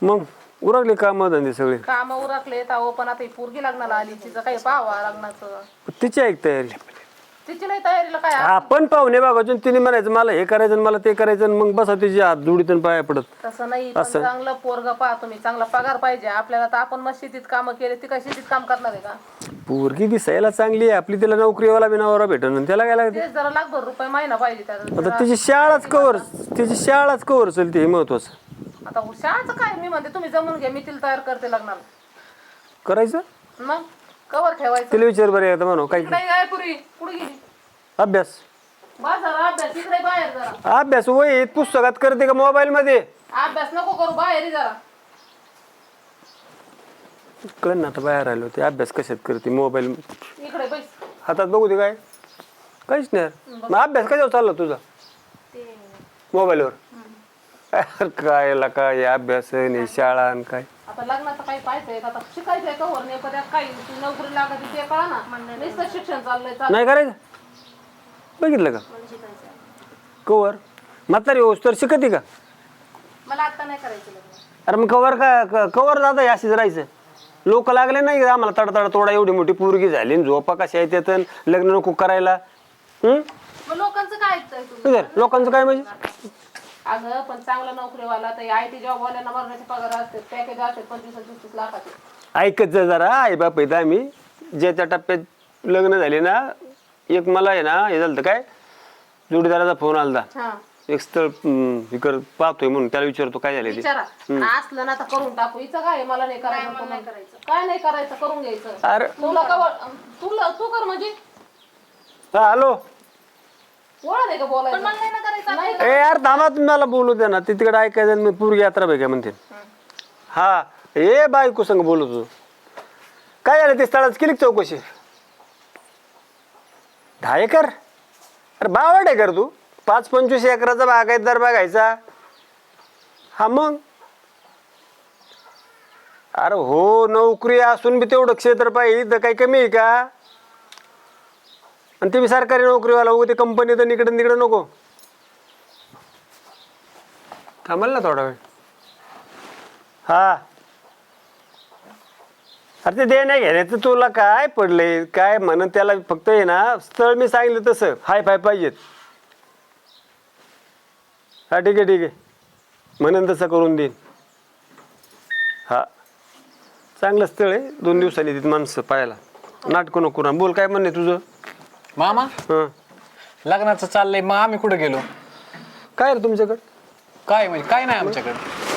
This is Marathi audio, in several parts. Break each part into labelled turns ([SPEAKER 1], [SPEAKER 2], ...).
[SPEAKER 1] मग उरकले काम धंदे सगळे
[SPEAKER 2] काम उरकले अहो पण आता ही पोरगी लग्नाला आली तिचं काही पाहावा लग्नाचं
[SPEAKER 1] तिची ऐक तयारी
[SPEAKER 2] तिची नाही तयारीला काय
[SPEAKER 1] आपण पाहुणे बघायचो तिने म्हणायचं मला हे करायचं मला ते करायचं मग बसा तिची हात जोडीतून पाया पडत
[SPEAKER 2] तसं नाही पण चांगलं पोरग पहा तुम्ही चांगला पगार पाहिजे आपल्याला तर आपण मग शेतीत काम केले ती काय शेतीत काम करणार आहे का
[SPEAKER 1] पोरगी दिसायला चांगली आहे आपली तिला नोकरीवाला बिनावाला भेटून त्याला काय लागते
[SPEAKER 2] तेच जरा लाखभर रुपये महिना पाहिजे त्याला
[SPEAKER 1] आता तिची शाळाच कवर चलते हे महत्वाचं
[SPEAKER 2] आता शाळाचं काय मी म्हणते तुम्ही जमून घ्या मी तिला तयार करते लग्नाला
[SPEAKER 1] करायचं
[SPEAKER 2] मग कवर ठेवायचं
[SPEAKER 1] तिला विचार बरं आता म्हणू काही
[SPEAKER 2] इकडे काय पुरी पुढे गेली
[SPEAKER 1] अभ्यास
[SPEAKER 2] बस जरा अभ्यास इकडे बाहेर जरा
[SPEAKER 1] अभ्यास वय पुस्तकात करते का मोबाईल मध्ये
[SPEAKER 2] अभ्यास नको करू बाहेर ये जरा
[SPEAKER 1] कळ ना आता बाहेर आलो ते अभ्यास कशात करते मोबाईल
[SPEAKER 2] इकडे बैस
[SPEAKER 1] हातात बघू दे काय काहीच नाही मग अभ्यास कशावर चालला तुझा मोबाईलवर काय अभ्यास नाही शाळा आणि काय
[SPEAKER 2] आता लग्नाचं काही पाहायचंय आता शिकायचंय कवर नाही पण त्यात काही ती नोकरी लागत ते कळा ना नुसतं शिक्षण चाललंय
[SPEAKER 1] नाही करायचं बघितलं का कवर म्हातारी होस तर शिकते का
[SPEAKER 2] मला आता नाही करायचं लग्न
[SPEAKER 1] अरे मग कवर जाता अशीच राहायचं लोक लागले नाही का आम्हाला तडतड तोडा एवढी मोठी पोरगी झाली झोपा कशा येतात लग्न नको करायला
[SPEAKER 2] मग लोकांचं काय ऐकताय तुम्ही
[SPEAKER 1] लोकांचं काय म्हणजे
[SPEAKER 2] अगं पण चांगला नोकरीवाला तर IT जॉब वाल्यांना मरण्याचे पगार असते पॅकेज असते 25-30 लाखाचे
[SPEAKER 1] ऐकत जा जरा आई बाप येत आम्ही ज्याच्या टप्प्यात लग्न झाले ना एक मला आहे ना हे झालं काय जोडीदाराचा फोन आलता एक स्थळ इकडं पाहतोय म्हणून त्याला विचारतो काय झालं ते
[SPEAKER 2] विचारा असलं ना तर करून टाकू हिचं काय मला नाही करायचं काय नाही करायचं करून घ्यायचं
[SPEAKER 1] अरे
[SPEAKER 2] तू कर म्हणजे
[SPEAKER 1] हा हॅलो
[SPEAKER 2] ओळख आहे का बोलायचं
[SPEAKER 1] ए यार थांबा तुम्ही मला बोलू द्या ना ते तिकडे ऐकायचं मी पूर्वी यात्रा बघा म्हणते हा ए बायको संग बोलू तू काय झालं ते स्थळाच केली का चौकशी 10 एकर अरे बावड आहे कर तू 5-25 एकराचा बागायतदार बघायचा हा मग अरे हो नोकरी असून बी तेवढं क्षेत्र पाहिजे तर काही कमी आहे का आणि ते बी सरकारी नोकरीवाला हो ते कंपनी तर निकडं निकडं नको थांबल ना थोडा वेळ हा अरे ते देण्या घेण्याचं तुला काय पडलंय काय म्हणून त्याला फक्त आहे ना स्थळ मी सांगितलं तसं हाय फाय पाहिजेत हा ठीक आहे म्हणून तसं करून देईन हा चांगलं स्थळ आहे 2 दिवसांनी तिथे माणसं पाहायला नाटकं नको ना बोल काय म्हणणे तुझं
[SPEAKER 3] मामा
[SPEAKER 1] हं
[SPEAKER 3] लग्नाचं चाललंय मग आम्ही कुठे गेलो
[SPEAKER 1] काय रे तुमच्याकडं
[SPEAKER 3] काय म्हणजे काय नाही आमच्याकडे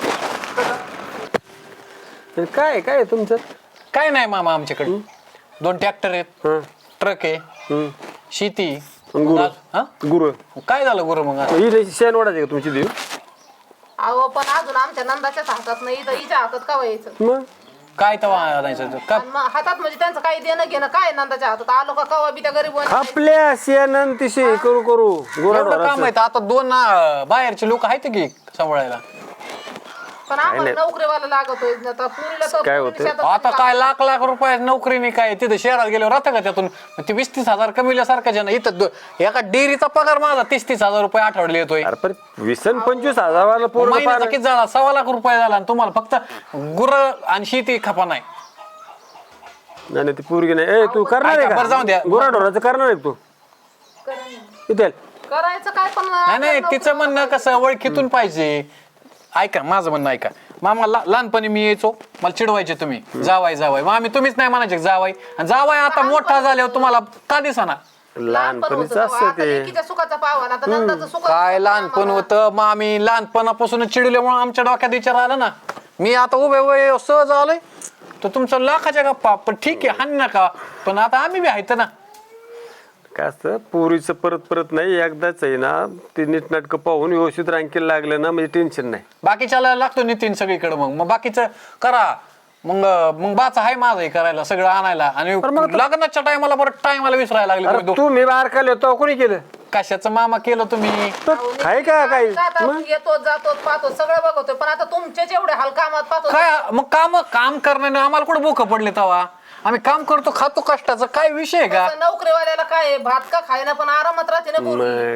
[SPEAKER 1] काय काय तुमचं
[SPEAKER 3] काय नाही मामा आमच्याकडे 2 ट्रॅक्टर आहेत
[SPEAKER 1] हं
[SPEAKER 3] ट्रक आहे शेती
[SPEAKER 1] गुरु
[SPEAKER 3] हा
[SPEAKER 1] गुरु
[SPEAKER 3] काय झालं गुरु मग
[SPEAKER 1] ही शेण वाढायचे का तुमची देव
[SPEAKER 2] अहो पण अजून आमच्या नंदाच्याच हातात नाही तर हिच्या हातात का व्हायचं
[SPEAKER 1] मग
[SPEAKER 3] काय तवा आणायचं का
[SPEAKER 2] आणि मग हातात म्हणजे त्यांचं काही देणं घेणं काय नंदाच्या हातात आलो का कवा बी त्या गरीब
[SPEAKER 1] आपल्या शेण तिशे करू करू
[SPEAKER 3] एवढं काम आहे आता 2 बाहेरचे लोक आहेत की सांभाळायला
[SPEAKER 2] पण आम्हाला नोकरीवाला लागतोय आता पुरीला तर
[SPEAKER 1] काय होतंय?
[SPEAKER 2] शेतात
[SPEAKER 3] आता काय लाख रुपये नोकरीने काय तिथे शहरात गेल्यावर राहतं का त्यातून ते 20-30 हजार कमील्यासारखं जण इथं एका डेअरीचा पगार माझा 30-30 हजार रुपये आठवडले येतोय
[SPEAKER 1] अरे पण 20-25 हजाराला पोरं
[SPEAKER 3] महिन्याचा
[SPEAKER 1] पार-
[SPEAKER 3] किती झाला 1.25 लाख रुपये झाला आणि तुम्हाला फक्त गुर आणि शेती खपा नाही
[SPEAKER 1] नाही नाही, ती पोरगी नाही ए तू करणार आहे
[SPEAKER 3] बरं, जाऊ द्या.
[SPEAKER 1] का गुराढोराचं करणार आहे का तू इथे
[SPEAKER 2] करायचं काय पण
[SPEAKER 3] नाही तिचं म्हणणं कसं ओळखीतून पाहिजे ऐका माझं म्हणणं ऐका मामा लहानपणी मी यायचो मला चिडवायचे तुम्ही जावाय मग आम्ही तुम्हीच नाही म्हणायचे जावाय आता मोठा झाल्यावर तुम्हाला का दिसाना
[SPEAKER 1] लहानपणीच असतं ते
[SPEAKER 2] लेकीच्या सुखाचा पावा ना आता नंदाचं सुख
[SPEAKER 3] काय लहानपण होतं मग आम्ही लहानपणापासून चिडल्यामुळे आमच्या डोक्यात विचार आला ना मी आता उभे सहज आलोय तर तुमचं लाखाच्या गप्पा पण ठीक आहे हाण नका पण आता आम्ही बी आहेत ना
[SPEAKER 1] काय असतं पोरीचं परत नाही एकदाच आहे ना ते नीटनाटकं पाहून व्यवस्थित रांकीला लागलं ना म्हणजे टेन्शन नाही
[SPEAKER 3] बाकीच्याला लागतो नितीन सगळीकडे मग बाकीचं करा मग बाचा आहे माझं हे करायला सगळं आणायला आणि लग्नाच्या टायमाला बरं टायमाला विसरायला लागले
[SPEAKER 1] तू मी बारकाले होतो कोणी केलं
[SPEAKER 3] कशाचं मामा केलं तुम्ही
[SPEAKER 1] काय का काय
[SPEAKER 2] येतो जातो पाहतो सगळं बघतोय पण आता तुमचेच एवढे हाल कामात पाहतो
[SPEAKER 3] काय मग काम करण्याने आम्हाला कुठे भूक पडले तेव्हा आम्ही काम करतो खातो कष्टाचं काय विषय आहे का
[SPEAKER 2] नोकरीवाल्याला काय भात का खायना पण आरामात राहते ना पोरी.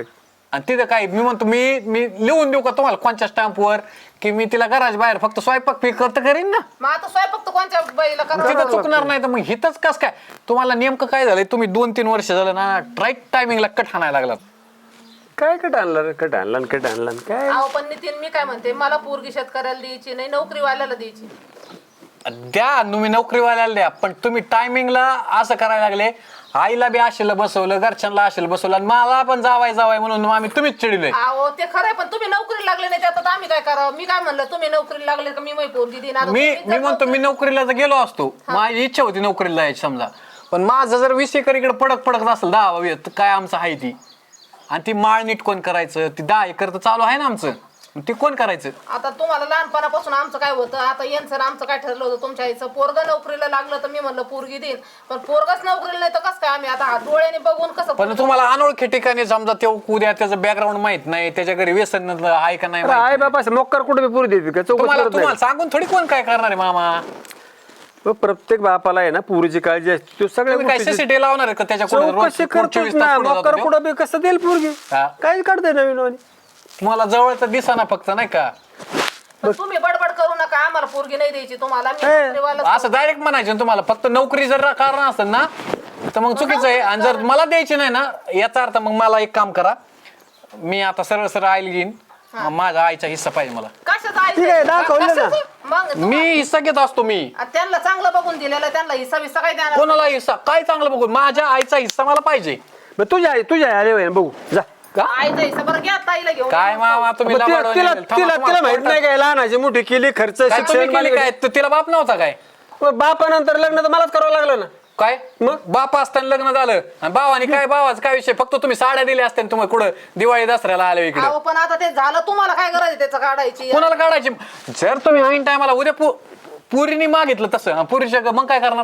[SPEAKER 3] आणि तिथं काय मी म्हणतो मी मी लिहून देऊ का तुम्हाला कोणत्या स्टॅम्पवर की मी तिला घराच्या बाहेर फक्त स्वयंपाक फी करता करीन ना
[SPEAKER 2] मग आता स्वयंपाक तर कोणत्या बाईला
[SPEAKER 3] तिथं
[SPEAKER 2] करावं
[SPEAKER 3] चुकणार नाही तर मग हिथंच कस काय तुम्हाला नेमकं काय झालंय तुम्ही 2-3 वर्ष झालं ना राईट टायमिंगला कट हाणायला लागलात
[SPEAKER 1] काय कट आणला रे कट आणला कट आणला काय
[SPEAKER 2] अहो पण नितीन मी काय म्हणते मला पोरगी शेतकऱ्याला द्यायची नाही नोकरीवाल्याला द्यायची
[SPEAKER 3] द्या तुम्ही नोकरीवाल्याला द्या पण तुम्ही टायमिंगला असं करायला लागले आईला बी आशेला बसवलं घरच्यांना आशेला बसवलं आणि मला पण जावाय म्हणून आम्ही तुम्हीच चिडले
[SPEAKER 2] अहो ते खरंय पण तुम्ही नोकरीला लागले नाही त्यात आम्ही काय करावं मी काय म्हणलं तुम्ही नोकरीला लागले का मी माझी पोरगी देईन आता
[SPEAKER 3] मी
[SPEAKER 2] तुम्ही
[SPEAKER 3] मी म्हणतो मी नोकरीला जर गेलो असतो माझी इच्छा होती नोकरीला जायची समजा पण माझं जर 20 एकर इकडे पडत असेल 10 तर काय आमचं आहे ती आणि ती माळ नीट कोण करायचं ती 10 एकर तर चालू आहे ना आमचं ती कोण करायचं
[SPEAKER 2] आता तुम्हाला लहानपणापासून आमचं काय होतं आता यांचं आणि आमचं काय ठरलं होतं तुमच्या आईचं पोरग नोकरीला लागलं तर मी म्हणलं पोरगी देईन पण पोरगच नोकरीला नाही तर कसं काय आम्ही आता हात डोळ्याने बघून कसं
[SPEAKER 3] पण तुम्हाला अनोळखी ठिकाणी समजा ते उद्या त्याचं बॅकग्राऊंड माहित नाही त्याच्या घरी व्यसन आहे का नाही माहित
[SPEAKER 1] आई बाबा मोक्कर कुठे बी पुरी देते का चौकशी
[SPEAKER 3] तुम्हाला
[SPEAKER 1] करत
[SPEAKER 3] तुम्हाला सांगून थोडी कोण काय करणार आहे मामा
[SPEAKER 1] नाही. प्रत्येक बापाला आहे ना पुरीची काळजी असते तो सगळ्या
[SPEAKER 3] तुम्ही काय
[SPEAKER 1] गोष्टीची
[SPEAKER 3] सीसीटीव्ही लावणार आहे का त्याच्या
[SPEAKER 1] चौकशी करतोच ना मोक्कर कुठं बी कसं देईल पोरगी
[SPEAKER 3] हा.
[SPEAKER 1] काय काढते नवीन वाणी.
[SPEAKER 3] तुम्हाला जवळच दिसाना फक्त नाही का
[SPEAKER 2] पण तुम्ही बडबड करू नका आम्हाला पोरगी नाही द्यायची तुम्हाला मी
[SPEAKER 1] हे.
[SPEAKER 2] नोकरीवाला
[SPEAKER 3] असं डायरेक्ट म्हणायचं ना तुम्हाला फक्त नोकरी जर कारण असेल ना तर मग चुकीचं आहे आणि जर मला द्यायची नाही ना याचा अर्थ मग मला एक काम करा मी आता सरळ आईला घेईन माझ्या आईचा हिस्सा पाहिजे मला
[SPEAKER 2] कशाचा
[SPEAKER 1] ठीक आहे, दाखवलं ना.
[SPEAKER 2] कशाचं? मग
[SPEAKER 3] मी हिस्सा घेत असतो मी
[SPEAKER 2] त्यांना चांगलं बघून दिलेलं त्यांना हिस्सा बिस्सा काय देणार
[SPEAKER 3] कोणाला हिस्सा काय चांगलं बघून माझ्या आईचा हिस्सा मला पाहिजे
[SPEAKER 1] मग तुझ्या आले होय ना, बघू जा
[SPEAKER 3] का
[SPEAKER 2] आईचा हिस्सा बरं घ्या ताईला घेऊन
[SPEAKER 3] काय मामा तुम्ही
[SPEAKER 1] मग तिला
[SPEAKER 3] लबाड
[SPEAKER 1] तिला
[SPEAKER 3] वाणी
[SPEAKER 1] तिला
[SPEAKER 3] थांबा,
[SPEAKER 1] तिला माहित
[SPEAKER 3] तुम्हाला
[SPEAKER 1] नाही काय लहानाची मोठी केली खर्च
[SPEAKER 3] काय तुम्ही
[SPEAKER 1] शिक्षण
[SPEAKER 3] केली काय तर तिला बाप नव्हता काय
[SPEAKER 1] बापानंतर लग्न तर मलाच करावं लागलं ना
[SPEAKER 3] काय मग बाप असताना लग्न झालं आणि भावानी काय भावाचं काय विषय फक्त तुम्ही साड्या दिल्या असत्या तुम्ही कुठं दिवाळी दसऱ्याला आले इकडे
[SPEAKER 2] अहो पण आता ते झालं तुम्हाला काय गरज आहे त्याचं काढायची
[SPEAKER 3] कोणाला काढायची जर तुम्ही ऐन टायमाला उद्या पुरीने मागितलं तसं पुरीच्या मग काय करणार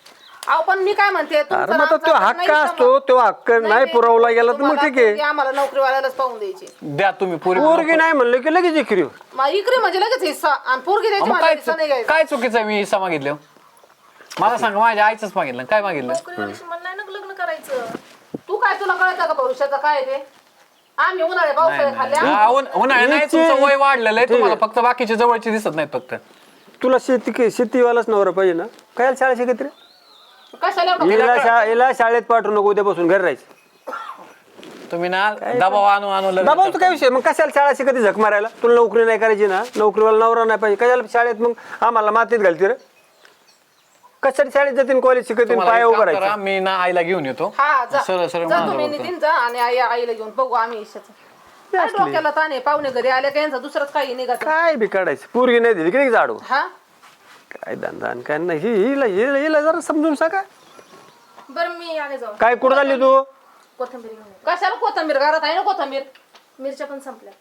[SPEAKER 2] अहो पण मी काय म्हणते तुमचं
[SPEAKER 1] अरे मग तो
[SPEAKER 2] आमचं
[SPEAKER 1] हक्क
[SPEAKER 2] नाही
[SPEAKER 1] असतो तो हक्क नाही पुरवला गेला तर मग
[SPEAKER 2] तुम्हाला
[SPEAKER 1] ठीक आहे
[SPEAKER 2] पोरगी आम्हाला नोकरीवाल्यालाच पाहून द्यायची
[SPEAKER 3] द्या तुम्ही पुरी
[SPEAKER 1] पोरगी नाही म्हणलं की लगेच इकरी
[SPEAKER 2] मग इकडे म्हणजे लगेच हिस्सा आणि पोरगी द्यायची
[SPEAKER 3] मग
[SPEAKER 2] मला
[SPEAKER 3] काय
[SPEAKER 2] हिस्सा नाही घ्यायचा
[SPEAKER 3] काय चुकीचं आहे मी हिस्सा मागितलं मला सांगा माझ्या आईच मागितलं काय मागितलं
[SPEAKER 2] नोकरीवाल्याशी मला नाही ना लग्न करायचं तू काय तुला कळतं का भविष्याचं काय ते आम्ही उन्हाळे पावसाळे खाल्ल्या
[SPEAKER 3] उन्हाळ्या नाही तुमचं वय वाढलेलं आहे तुम्हाला फक्त बाकीचे जवळचे दिसत नाहीत फक्त
[SPEAKER 1] तुला शेतीवालाच नवरा पाहिजे ना काय शाळा शिकत रे
[SPEAKER 2] कशाला एवढं
[SPEAKER 1] हिला शाळेत पाठवू नको उद्यापासून घर राहायचं
[SPEAKER 3] तुम्ही ना दबाव आणू लग्न
[SPEAKER 1] बाबा काय विषय मग कशाला शाळा शिकत झक मारायला तुला नोकरी नाही करायची ना नोकरीवाला नवरा नाही पाहिजे कशाला शाळेत मग आम्हाला मातीत घालते रे कशाला शाळेत जातील कॉलेज शिकतील
[SPEAKER 3] तुम्हाला
[SPEAKER 1] पाया
[SPEAKER 3] एक
[SPEAKER 1] उभं
[SPEAKER 3] काम करा,
[SPEAKER 1] राहायचं
[SPEAKER 3] मी ना आईला घेऊन येतो
[SPEAKER 2] हा जा
[SPEAKER 3] सरळ सरळ
[SPEAKER 2] जा
[SPEAKER 3] माझं
[SPEAKER 2] तुम्ही
[SPEAKER 3] बघतो.
[SPEAKER 2] नितीन जा आणि आईला घेऊन बघू आम्ही हिश्श्याचं काय डोक्याला ताणे पाहुणे घरी आले का यांचा दुसरंच काही निघत
[SPEAKER 1] काय बी काढायचं पोरगी नाही दिली की जाडू
[SPEAKER 2] हा
[SPEAKER 1] काय धंदा आणि काय नाही हिला हिला हिला जरा समजून सांगा
[SPEAKER 4] बरं मी आले जाऊ
[SPEAKER 1] काय कुठं झाली तू
[SPEAKER 4] कोथिंबीर घेऊन ये.
[SPEAKER 2] कशाला कोथंबीर घरात आहे ना कोथंबीर
[SPEAKER 4] मिरच्या पण संपल्या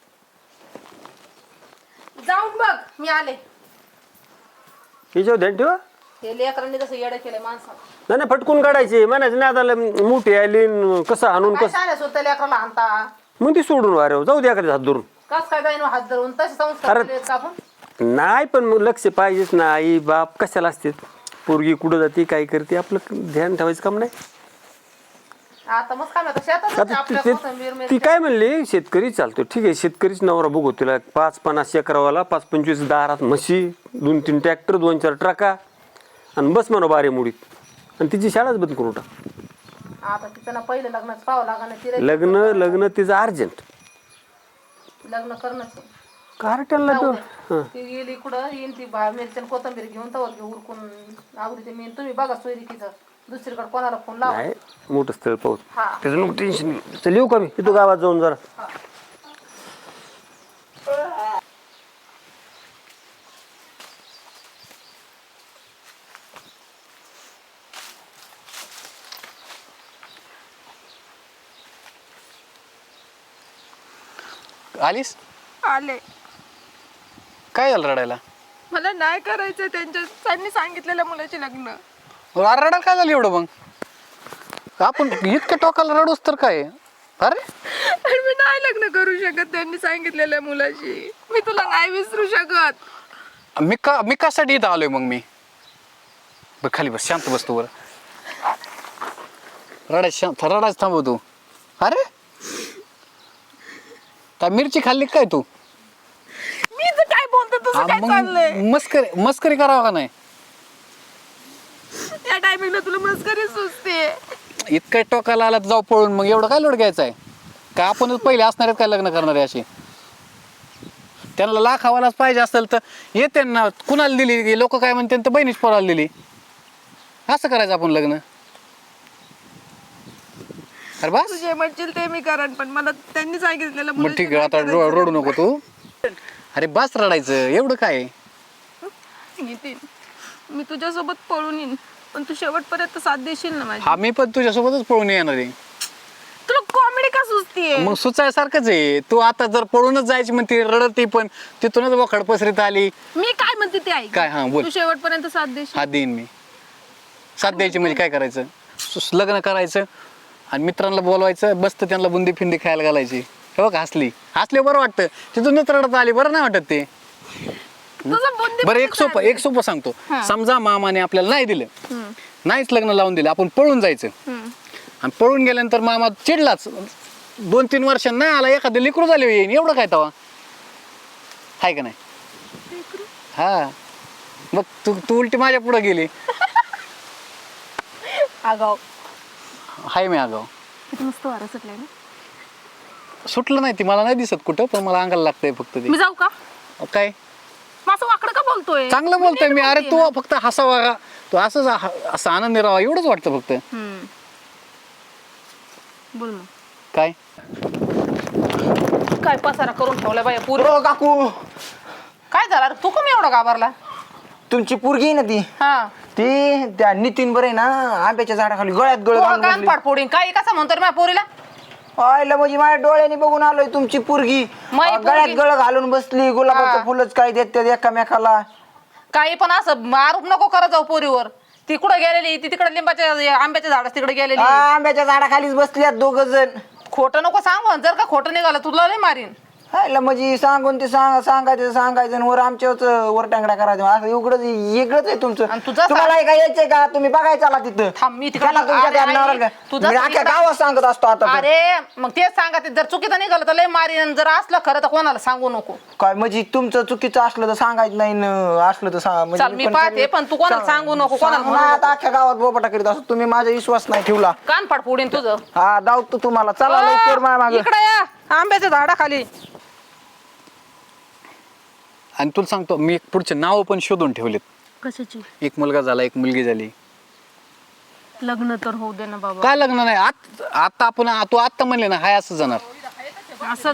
[SPEAKER 4] जाऊन बघ मी आले
[SPEAKER 1] हिच्यावर ध्यान ठेवा
[SPEAKER 2] हे लेकरांनी कसं येडं केलंय माणसाला
[SPEAKER 1] नाही फटकून काढायची म्हणायचं नाही आता मोठी आली न कसं आणून
[SPEAKER 2] काय
[SPEAKER 1] कसं
[SPEAKER 2] सांगायचं होतं लेकराला आणता
[SPEAKER 1] मग ती सोडून वारे जाऊ द्या हात धरून
[SPEAKER 2] कस काय जाईन हात धरून तसे संस्कार
[SPEAKER 1] अरे.
[SPEAKER 2] केलेत का आपण
[SPEAKER 1] नाही पण मग लक्ष पाहिजेच ना आई बाप कशाला असते पोरगी कुठं जाते काय करते आपलं ध्यान ठेवायचं काम नाही
[SPEAKER 2] आता मग काय म्हणतात शेतात
[SPEAKER 1] आता
[SPEAKER 2] आपल्या
[SPEAKER 1] ती-
[SPEAKER 2] कोथंबीर
[SPEAKER 1] ती
[SPEAKER 2] मिरच्या.
[SPEAKER 1] काय म्हणली शेतकरी चालतो ठीक आहे शेतकरीच नवरा बघू तिला 5-50 एकरावाला 5-25 दारात म्हशी 2-3 ट्रॅक्टर 2-4 ट्रका आणि बस म्हणा बारे मुडीत आणि तिची शाळाच बंद करून टाक
[SPEAKER 2] आता तिचं ना पहिलं लग्नच पाहावं लागणार
[SPEAKER 1] लग्न तिचं अर्जंट
[SPEAKER 2] लग्न करणंच
[SPEAKER 1] कार्ट्याला
[SPEAKER 2] जाऊ
[SPEAKER 1] तो
[SPEAKER 2] दे. ती गेली कुठं येईन ती मिरच्या कोथंबीर घेऊन तवर घेऊ उरकून आवडते मी तुम्ही बघा सोयरिकीचं दुसरीकडे कोणाला फोन लावा
[SPEAKER 1] नाही मोठं स्थळ पाहू
[SPEAKER 2] हा.
[SPEAKER 1] त्याचं नको टेन्शन नाही चल येऊ का मी तिथं गावात जाऊन जरा
[SPEAKER 3] आलीस
[SPEAKER 5] आले
[SPEAKER 3] काय झालं रडायला
[SPEAKER 5] मला नाही करायचं त्यांनी सांगितलेल्या मुलाचे लग्न
[SPEAKER 3] रडायला काय झालं एवढं मग आपण इतक्या टोकाला रडूस तर काय अरे
[SPEAKER 5] आणि मी नाही लग्न करू शकत त्यांनी सांगितलेल्या मुलाशी मी तुला नाही विसरू शकत
[SPEAKER 3] मी कशासाठी इथं आलोय मग मी बघ खाली बस शांत बस तू बरं रडायच थांबव तू अरे काय मिरची खाल्ली काय तू
[SPEAKER 5] मी तर काय बोलतो तुझं काय चाललंय
[SPEAKER 3] मस्करी मस्करी करावं का नाही
[SPEAKER 5] या टायमिंगला तुला मस्करी सुचते
[SPEAKER 3] इतकं टोकाला आला तर जाऊ पळून मग एवढं काय लोड घ्यायचं आहे का आपणच पहिले असणार आहेत काय लग्न करणारे अशी त्यांना लाख हवालाच पाहिजे असेल तर येते ना कुणाला दिली लोक काय म्हणते तर बहिणीच पोराला दिली असं करायचं आपण लग्न अरे बस
[SPEAKER 5] तुझे म्हणशील ते मी करण पण मला त्यांनी सांगितलेलं
[SPEAKER 3] मग ठीक आहे आता रडू नको तू अरे बस रडायचं एवढं काय
[SPEAKER 5] नितीन मी तुझ्यासोबत पळून येईन पण तू शेवटपर्यंत साथ देशील ना माझी
[SPEAKER 3] हा मी पण तुझ्यासोबतच पळून येणार आहे
[SPEAKER 5] तुला कॉमेडी का सुचतीये
[SPEAKER 3] मग सुचायसारखंच आहे तू आता जर पळूनच जायची म्हणते रडती पण तिथूनच वखड पसरीत आली
[SPEAKER 5] मी काय म्हणते ते ऐक
[SPEAKER 3] काय? हा, बोल.
[SPEAKER 5] तू शेवटपर्यंत साथ देशील
[SPEAKER 3] हात देईन मी साथ द्यायची म्हणजे काय करायचं लग्न करायचं आणि मित्रांना बोलवायचं बसतं त्यांना बुंदी फिंदी खायला घालायची हे बघ हसली बरं वाटतं तिथूनच रडत आली बरं नाही वाटत ते
[SPEAKER 5] तुझं बुद्धी
[SPEAKER 3] बरं एक सोपं सांगतो समजा मामाने आपल्याला नाही दिलं नाहीच लग्न लावून दिलं आपण पळून जायचं आणि पळून गेल्यानंतर मामा चिडलाच 2-3 वर्ष नाही आला एखादं लिकरू झाले येईन एवढं काय तवा हाय का नाही हा मग तू उलटी माझ्या पुढे गेली
[SPEAKER 5] आगाव
[SPEAKER 3] हाय मी आगाव
[SPEAKER 5] किती मस्त वारं सुटलंय ना
[SPEAKER 3] सुटलं नाही ती मला नाही दिसत कुठं पण मला अंगाला लागतंय फक्त ते
[SPEAKER 5] मी जाऊ का
[SPEAKER 3] काय
[SPEAKER 5] मग असं वाकडं का बोलतोय
[SPEAKER 3] चांगलं बोलतोय मी अरे तू फक्त हसावा का तू असंच असं आनंदी राहावा एवढंच वाटतं फक्त
[SPEAKER 5] बोल मग
[SPEAKER 3] काय
[SPEAKER 2] काय पसारा करून ठेवला बाया पुरी
[SPEAKER 6] हो काकू
[SPEAKER 2] काय झालं रे? तू कमी एवढा घाबरला
[SPEAKER 6] तुमची पोरगी आहे ना ती
[SPEAKER 2] हा
[SPEAKER 6] ती त्या नितीन बरे ना आंब्याच्या झाडाखाली गळ्यात गळ घालून
[SPEAKER 2] कान
[SPEAKER 6] बसली.
[SPEAKER 2] पाड फोडीन काही कसं म्हणतो रे माझ्या पोरीला
[SPEAKER 6] आयला म्हणजे माझ्या डोळ्याने बघून आलोय तुमची पोरगी
[SPEAKER 2] माई पोरगी?
[SPEAKER 6] गळ्यात गळ घालून बसली गुलाबाचं फुलच काय देतात एकामेकाला
[SPEAKER 2] काही पण असं आरोप नको करत जाऊ पोरीवर ती कुठं गेलेली ती तिकडे लिंबाच्या आंब्याच्या झाडात तिकडे गेलेली
[SPEAKER 6] आंब्याच्या झाडाखालीच बसल्यात 2 जण
[SPEAKER 2] खोटं नको सांगू जर का खोटं निघालं तुला नाही मारीन
[SPEAKER 6] आयला म्हणजे सांगून ते सांगायचं आणि वर आमच्यावरच वर टांगड्या करायचं असं उघडच वेगळंच आहे तुमचं
[SPEAKER 2] आणि तुझं
[SPEAKER 6] तुम्हाला काय यायचंय का तुम्ही बघायचं आला तिथं
[SPEAKER 2] थांब, मी तिकडं-
[SPEAKER 6] चला तुमच्या
[SPEAKER 2] अरे,
[SPEAKER 6] त्या
[SPEAKER 2] आई,
[SPEAKER 6] नवऱ्याला काय.
[SPEAKER 2] तुझं
[SPEAKER 6] मी अख्ख्या
[SPEAKER 2] इकडं-
[SPEAKER 6] गावात सांगत असतो आता तर.
[SPEAKER 2] अरे मग तेच सांगा ते जर चुकीचं निघालं तर लय मारीन जर असलं खरं तर कोणाला सांगू नको
[SPEAKER 6] काय म्हणजे तुमचं चुकीचं असलं तर सांगायचं नाही न असलं तर म्हणजे
[SPEAKER 2] चल, मी पाहते, पण तू कोणाला सांगू नको, कोणाला
[SPEAKER 6] सांगू
[SPEAKER 2] म्हणू
[SPEAKER 6] ना,
[SPEAKER 2] नको.
[SPEAKER 6] आता अख्ख्या गावात बोपटा करीत असतो तुम्ही माझा विश्वास नाही ठेवला
[SPEAKER 2] कान फाड फोडीन तुझं
[SPEAKER 6] हा दावतो तुम्हाला चला लवकर माझ्या मागे
[SPEAKER 2] इकडे या आंब्याच्या झाडाखाली
[SPEAKER 3] आणि तुला सांगतो मी एक पुढचे नाव पण शोधून ठेवलेत
[SPEAKER 5] कशाची
[SPEAKER 3] एक मुलगा झाला एक मुलगी झाली
[SPEAKER 5] लग्न तर होऊ दे ना बाबा
[SPEAKER 3] काय लग्न नाही आता आपण तू आत्ता म्हणले ना हाय असं जाणार
[SPEAKER 5] असंच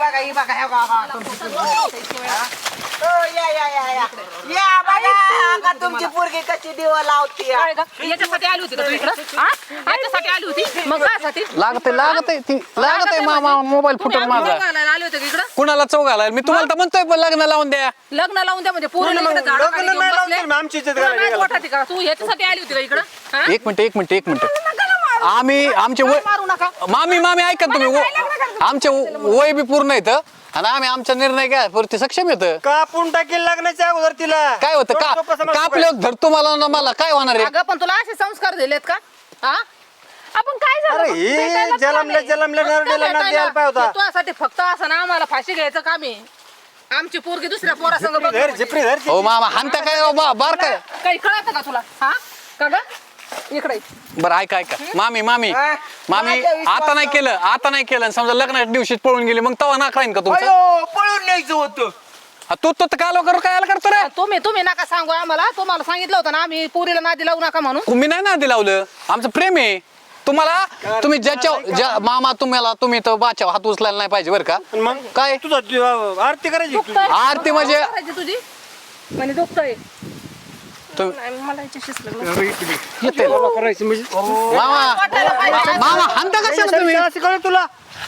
[SPEAKER 6] तुमची पोरगी कशी दिवा लावती
[SPEAKER 2] काय ग? याच्यासाठी आली होती का तू इकडं हा? याच्यासाठी आली होती मग कायसाठी
[SPEAKER 3] लागत मामा मोबाईल फुटून माझा
[SPEAKER 2] आले होते का इकडं
[SPEAKER 3] कुणाला चौ घालायला मी तुम्हाला तर म्हणतोय पण लग्न लावून द्या
[SPEAKER 2] लग्न लावून द्या म्हणजे पोरीला इकडं झाडाखाली घेऊन बसले.
[SPEAKER 1] आमची इज्जत
[SPEAKER 2] तुला नाही वाटत का तू याच्यासाठी आली होती का इकडं हा?
[SPEAKER 3] एक मिनिट आम्ही आमचे वय
[SPEAKER 2] मारू नका
[SPEAKER 3] मामी ऐका तुम्ही आमचे वय बी पूर्ण येतं आणि आम्ही आमचा निर्णय काय वरती सक्षम येतं
[SPEAKER 1] कापून टाकेल लागण्याच्या अगोदर तिला
[SPEAKER 3] काय होतं का कापले धरतो मला ना मला काय होणार आहे
[SPEAKER 2] अगं पण तुला असे संस्कार दिलेत का हा
[SPEAKER 5] आपण काय झालं
[SPEAKER 1] अरे हे जलमल्या नरडेला ना द्यायला पाहिजे होता
[SPEAKER 2] तुझ्यासाठी फक्त असं ना आम्हाला फाशी घ्यायचं काम आहे आमची पोरगी दुसऱ्या पोरासंग बघ
[SPEAKER 1] धर झिपरी धर
[SPEAKER 3] हो मामा हानता काय हो बार काय
[SPEAKER 2] काही कळत का तुला हा का ग इकडे
[SPEAKER 3] बरं ऐका मामी आता नाही केलं समजा लग्नाच्या दिवशी पळून गेली मग तवा ना खाईन का तुमचं
[SPEAKER 6] पळून न्यायचं होतं
[SPEAKER 3] तू काय लवकर काय करतो रे
[SPEAKER 2] तुम्ही नका सांगू आम्हाला तुम्हाला सांगितलं होतं ना आम्ही पोरीला नादी लावू नका म्हणून
[SPEAKER 3] मी नाही ना लावलं आमचं प्रेम आहे तुम्हाला तुम्ही मामा तुम्ही तर बाच्या हात उचलायला नाही पाहिजे बरं का
[SPEAKER 1] मग
[SPEAKER 3] काय
[SPEAKER 1] तुझा आरती करायची
[SPEAKER 2] दुखतंय.
[SPEAKER 3] आरती म्हणजे
[SPEAKER 2] करायची तुझी म्हणजे दुखतंय
[SPEAKER 5] मला याच्याशीच लग्न
[SPEAKER 3] येते
[SPEAKER 1] करायची म्हणजे
[SPEAKER 3] मामा हानता कशाला तुम्ही
[SPEAKER 1] असं कळलं तुला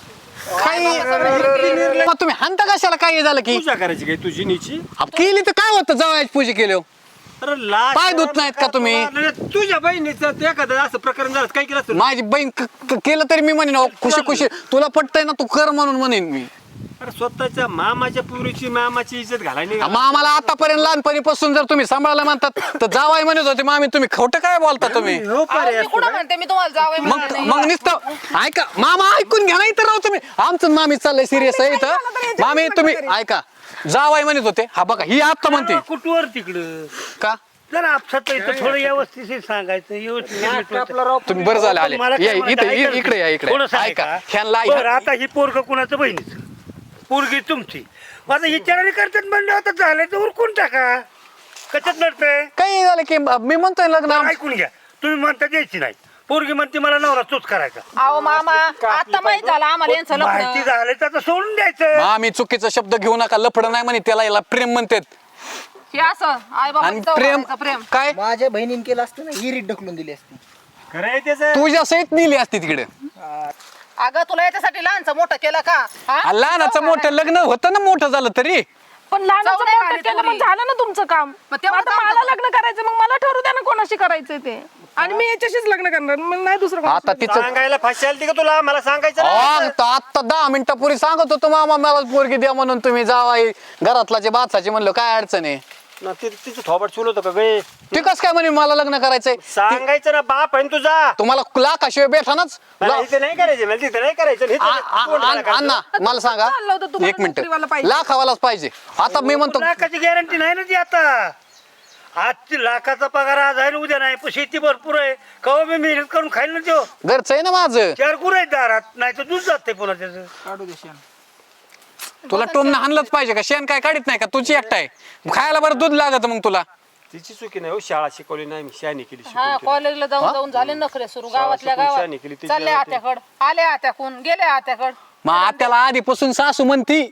[SPEAKER 3] मग तुम्ही हानता कशाला काय झालं की
[SPEAKER 1] पूजा करायची काय तुझी नीची
[SPEAKER 3] केली तर काय होतं जवळ पूजा केली
[SPEAKER 1] अरे लाज
[SPEAKER 3] पाय धुत नाहीत का तुम्ही?
[SPEAKER 1] अरे तुझ्या बहिणीचं ते एखादं असं प्रकरण झालं काय केलं असतं?
[SPEAKER 3] माझी बहीण केलं तरी मी म्हणेन खुशी तुला पटतंय ना तू कर म्हणून म्हणेन मी
[SPEAKER 1] अरे स्वतःच्या मामाच्या पुरीची मामाची इज्जत घालायला
[SPEAKER 3] मग आम्हाला आतापर्यंत लहानपणीपासून जर तुम्ही सांभाळायला म्हणतात तर जावाय म्हणत होते मामी तुम्ही खोटं काय बोलता तुम्ही
[SPEAKER 1] हो
[SPEAKER 2] अहो, मी कुठं म्हणते मी तुम्हाला जावं
[SPEAKER 3] मग मग नुसतं ऐका मामा ऐकून घ्या ना इथं राहू तुम्ही आमचं मामी चाललंय सिरियस आहे इथं मामी तुम्ही ऐका जावाय म्हणत होते हा बघा ही आता म्हणते
[SPEAKER 7] कुठवर तिकडं
[SPEAKER 3] का
[SPEAKER 7] जरा आपसात इथं थोडं व्यवस्थित सांगायचं व्यवस्थित
[SPEAKER 3] तुम्ही बरं झालं आले
[SPEAKER 7] मला काय
[SPEAKER 3] या
[SPEAKER 7] म्हणायचं,
[SPEAKER 3] इथे
[SPEAKER 7] ऐका
[SPEAKER 3] इकडे या इकडे
[SPEAKER 7] थोडंसं
[SPEAKER 3] ऐका
[SPEAKER 7] ऐका.
[SPEAKER 3] ह्यांना
[SPEAKER 7] बरं, आता ही पोरग कुणाचं बहिणीच पोरगी तुमची माझं विचाराने करतात म्हणलं आता झालं तर उरकून टाका कशात लढतंय
[SPEAKER 3] काही झालं की मी म्हणतोय लग्न
[SPEAKER 7] ऐकून घ्या तुम्ही म्हणता द्यायची नाही पोरगी म्हणते मला नवरा तोच करायचा
[SPEAKER 2] अहो मामा आता माहित झालं आम्हाला यांचं
[SPEAKER 7] माहिती
[SPEAKER 2] लग्न
[SPEAKER 7] झालं तर आता सोडून द्यायचं
[SPEAKER 3] आम्ही चुकीचा शब्द घेऊ नका लफडं नाही म्हणे त्याला याला प्रेम म्हणतात
[SPEAKER 2] हे असं आई
[SPEAKER 3] आणि
[SPEAKER 2] बाबा
[SPEAKER 3] प्रेम काय
[SPEAKER 6] माझ्या बहिणीने केलं असतं ना हिरीत ढकलून दिली असती.
[SPEAKER 1] खरं त्याचं
[SPEAKER 3] तुझ्या सहित नेली असती तिकडे
[SPEAKER 2] अगं तुला याच्यासाठी लहानचं मोठं केलं का हा?
[SPEAKER 3] लहानाचं मोठं लग्न होतं ना मोठं झालं तरी
[SPEAKER 5] पण लहानाचं
[SPEAKER 2] जाऊ दे
[SPEAKER 5] मोठं
[SPEAKER 2] आणि
[SPEAKER 5] केलं
[SPEAKER 2] तेवढी.
[SPEAKER 5] पण झालं ना तुमचं काम
[SPEAKER 2] मग
[SPEAKER 5] मग
[SPEAKER 2] तेवढं
[SPEAKER 5] आता
[SPEAKER 2] काम
[SPEAKER 5] मला
[SPEAKER 2] तर-
[SPEAKER 5] लग्न करायचं मग मला ठरू द्या ना कोणाशी करायचंय ते आणि मी याच्याशीच लग्न करणार मला नाही दुसरं कोणाशी.
[SPEAKER 3] आता तिचं
[SPEAKER 1] सांगायला फाशी आली का तुला मला सांगायचं ना.
[SPEAKER 3] आता 10 मिनिटापूर्वी सांगत होतो मामा मला पोरगी द्या म्हणून तुम्ही जावाय घरातला बाचाचे म्हणलं काय अडचण आहे
[SPEAKER 1] ना तिचं थोबट चुल होतं का गे
[SPEAKER 3] ते कस काय म्हणे मला लग्न करायचंय
[SPEAKER 1] सांगायचं ना बाप आहे ना तुझा
[SPEAKER 3] तुम्हाला लाखाशिवाय भेटानाच
[SPEAKER 1] मला इथे नाही करायचं मला तिथे नाही करायचं इथे कोण त्याला करायचं?
[SPEAKER 3] अण्णा मला सांगा
[SPEAKER 5] चाललं होतं तुम्हाला
[SPEAKER 3] एक मिनिट
[SPEAKER 5] नोकरीवाला पाहिजे.
[SPEAKER 3] लाखावालाच पाहिजे आता मी म्हणतो
[SPEAKER 7] लाखाची गॅरंटी नाही ना ती आता आजची लाखाचा पगार आज आहे ना उद्या नाही पण शेती भरपूर आहे कवा मी मेहनत करून खाईल ना तो
[SPEAKER 3] घरचं आहे ना माझं
[SPEAKER 7] 4 गुरं आहेत दारात नाही तर दूध जाते पुन्हा त्याचं
[SPEAKER 6] काढू दे शेण.
[SPEAKER 3] तुला टोमनं हाणलंच पाहिजे का शेण काय काढत नाही का तुझी एकटा आहे खायला बरं दूध लागत मग तुला
[SPEAKER 1] तिची चुकी नाही हो शाळा शिकवली नाही मी शानी केली
[SPEAKER 2] हा
[SPEAKER 1] शिकवली.
[SPEAKER 2] कॉलेजला जाऊन जाऊन झाले नखरे सुरू गावातल्या
[SPEAKER 1] शिकून
[SPEAKER 2] गावात
[SPEAKER 1] शाळा केली, तिची
[SPEAKER 2] चालले
[SPEAKER 1] गावात.
[SPEAKER 2] आत्याकड आले आत्याकून गेले आत्याकड
[SPEAKER 3] मग आत्याला आधीपासून सासू म्हणती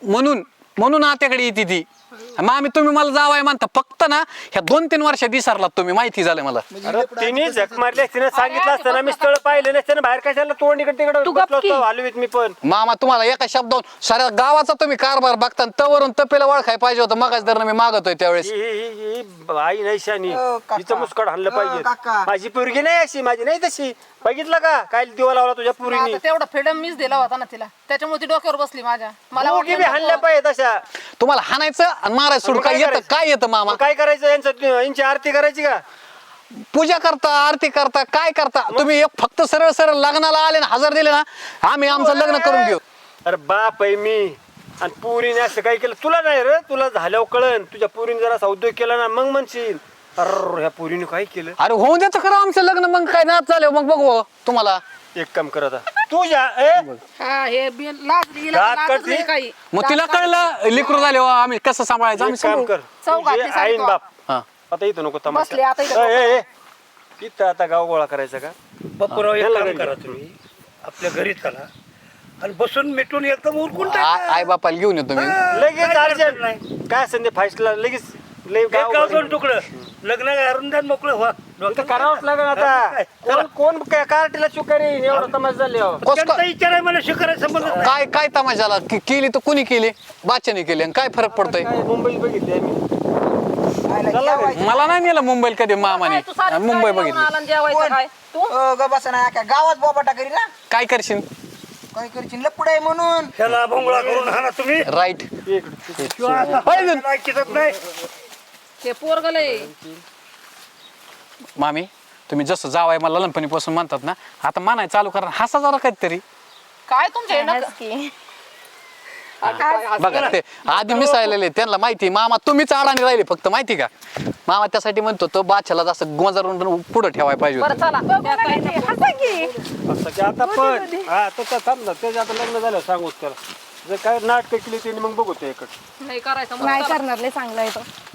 [SPEAKER 3] म्हणून आत्याकडे येते ती मग आम्ही तुम्ही मला जावाय म्हणता फक्त ना ह्या 2-3 वर्षात विसरलात तुम्ही माहिती झालं मला
[SPEAKER 1] अरे तिने झक मारली तिने सांगितलं असतं ना मी स्थळ पाहिलं नसतं ना बाहेर कशाला तोंड इकडे तिकडे
[SPEAKER 5] तू
[SPEAKER 1] बसलो
[SPEAKER 5] गप्प की.
[SPEAKER 1] असतो हलवीत मी पण
[SPEAKER 3] मामा तुम्हाला एका शब्दावरून साऱ्या गावाचा तुम्ही कारभार बघता तवरून तपेला ओळखाय पाहिजे होतं मगाच दर मी मागतोय त्यावेळेस
[SPEAKER 1] ही आई नाही शानी
[SPEAKER 6] काका.
[SPEAKER 1] तिचं मुस्कड हाणलं पाहिजे
[SPEAKER 6] काका.
[SPEAKER 1] माझी पोरगी नाही अशी माझी नाही तशी बघितलं का काय दिवा लावला तुझ्या पुरीनी
[SPEAKER 2] आता तेवढा फ्रीडम मीच दिला होता ना तिला त्याच्यामुळे ती डोक्यावर बसली माझ्या मला
[SPEAKER 1] पोरगी बी
[SPEAKER 2] वाटलं
[SPEAKER 1] हाणल्या
[SPEAKER 2] नको.
[SPEAKER 1] पाहिजे तशा
[SPEAKER 3] तुम्हाला हाणायचं आणि मारायचं सोडून
[SPEAKER 1] मग काय
[SPEAKER 3] काय येतं
[SPEAKER 1] करायचं?
[SPEAKER 3] काय येतं मामा
[SPEAKER 1] मग काय करायचं यांची आरती करायची का
[SPEAKER 3] पूजा करता आरती करता काय करता तुम्ही एक फक्त सरळ सरळ लग्नाला आले ना 1000 दिले ना आम्ही आमचं लग्न करून घेऊ
[SPEAKER 1] अरे बाप आहे मी आणि पुरीने असं काय केलं तुला नाही रे तुला झाल्यावर कळन तुझ्या पुरीने जरा उद्योग केला ना मग म्हणशील अरे ह्या पुरीने काय केलं
[SPEAKER 3] अरे होऊन द्यायचं खरं आमचं लग्न मग काय नाच झालं मग बघू तुम्हाला
[SPEAKER 1] एक काम कर आता तुझ्या
[SPEAKER 2] हा हे लाजली
[SPEAKER 1] दात
[SPEAKER 2] लाजच
[SPEAKER 1] काढली?
[SPEAKER 2] नाही काही
[SPEAKER 3] मग तिला कळलं लेकरू झाले हो, आम्ही कसं सांभाळायचं आम्ही
[SPEAKER 1] काम
[SPEAKER 3] सांभाळू.
[SPEAKER 1] कर
[SPEAKER 2] चौघातली
[SPEAKER 1] तुझे
[SPEAKER 2] साडी
[SPEAKER 1] आईन
[SPEAKER 2] तो.
[SPEAKER 1] बाप
[SPEAKER 3] हा.
[SPEAKER 1] आता इथं नको
[SPEAKER 2] बसले, आता इथं
[SPEAKER 1] तमाशा ए, ए, ए. इथं आता गाव गोळा करायचा का
[SPEAKER 7] बापूराव एक
[SPEAKER 1] याला
[SPEAKER 7] काम
[SPEAKER 1] घरी
[SPEAKER 7] करा तुम्ही आपल्या घरी चला आणि बसून मिटून एकदम उरकून
[SPEAKER 3] आई बापाला घेऊन येतो मी
[SPEAKER 1] लगेच अर्जंट काय संधी फाईस्टला लगेच लय गाव
[SPEAKER 7] गाव दोन तुकडं लग्न करून द्या मोकळं व्हा
[SPEAKER 1] इथं करावंच लागेल आता कोण कार्टीला चुकारी एवढा तमाशा झाले हो.
[SPEAKER 7] त्यांचा विचार आहे मला शिकायला संबंध नाही.
[SPEAKER 3] काय काय तमाशाला केली तर कुणी केली बाच्याने केली आणि काय फरक पडतोय
[SPEAKER 1] काय मुंबईत बघितली आम्ही
[SPEAKER 6] आयला जेवायचं.
[SPEAKER 3] मला नाही नेलं मुंबईला कधी मामाने
[SPEAKER 2] तू सारी
[SPEAKER 3] मुंबई
[SPEAKER 2] साडी
[SPEAKER 3] बघितली
[SPEAKER 2] घेऊन आला आणि जेवायचं काय तू
[SPEAKER 6] ग बसा ना काय गावात बोबाटा करी ना
[SPEAKER 3] काय करशील
[SPEAKER 6] काय करशील लपड आहे म्हणून
[SPEAKER 7] त्याला भोंगळा करून हा ना तुम्ही
[SPEAKER 3] राईट
[SPEAKER 7] किंवा आता ऐकतच नाही
[SPEAKER 2] ते पोरगलय
[SPEAKER 3] मामी तुम्ही जसं जावाय मला लहानपणीपासून म्हणतात ना आता मानाय चालू करा हसा जरा काहीतरी
[SPEAKER 2] काय तुमचे नक-
[SPEAKER 3] बघा ते आधी मिसाळलेले त्यांना माहिती मामा तुम्हीच अडाणी राहिले फक्त माहिती का मामा त्यासाठी म्हणतो तो बादशाला असं गोंजारून पुढे ठेवायला पाहिजे
[SPEAKER 2] बरं
[SPEAKER 3] होतं.
[SPEAKER 2] चला त्या काय
[SPEAKER 5] हसा की
[SPEAKER 1] असं की आता पण हा तर थांब ना त्याचं आता लग्न झालं सांगूच त्याला जर काय नाटकं केली त्यांनी मग बघू ते इकडं
[SPEAKER 2] नाही करायचं मग
[SPEAKER 5] नाही
[SPEAKER 2] चला.
[SPEAKER 5] करणार लय चांगला आहे तो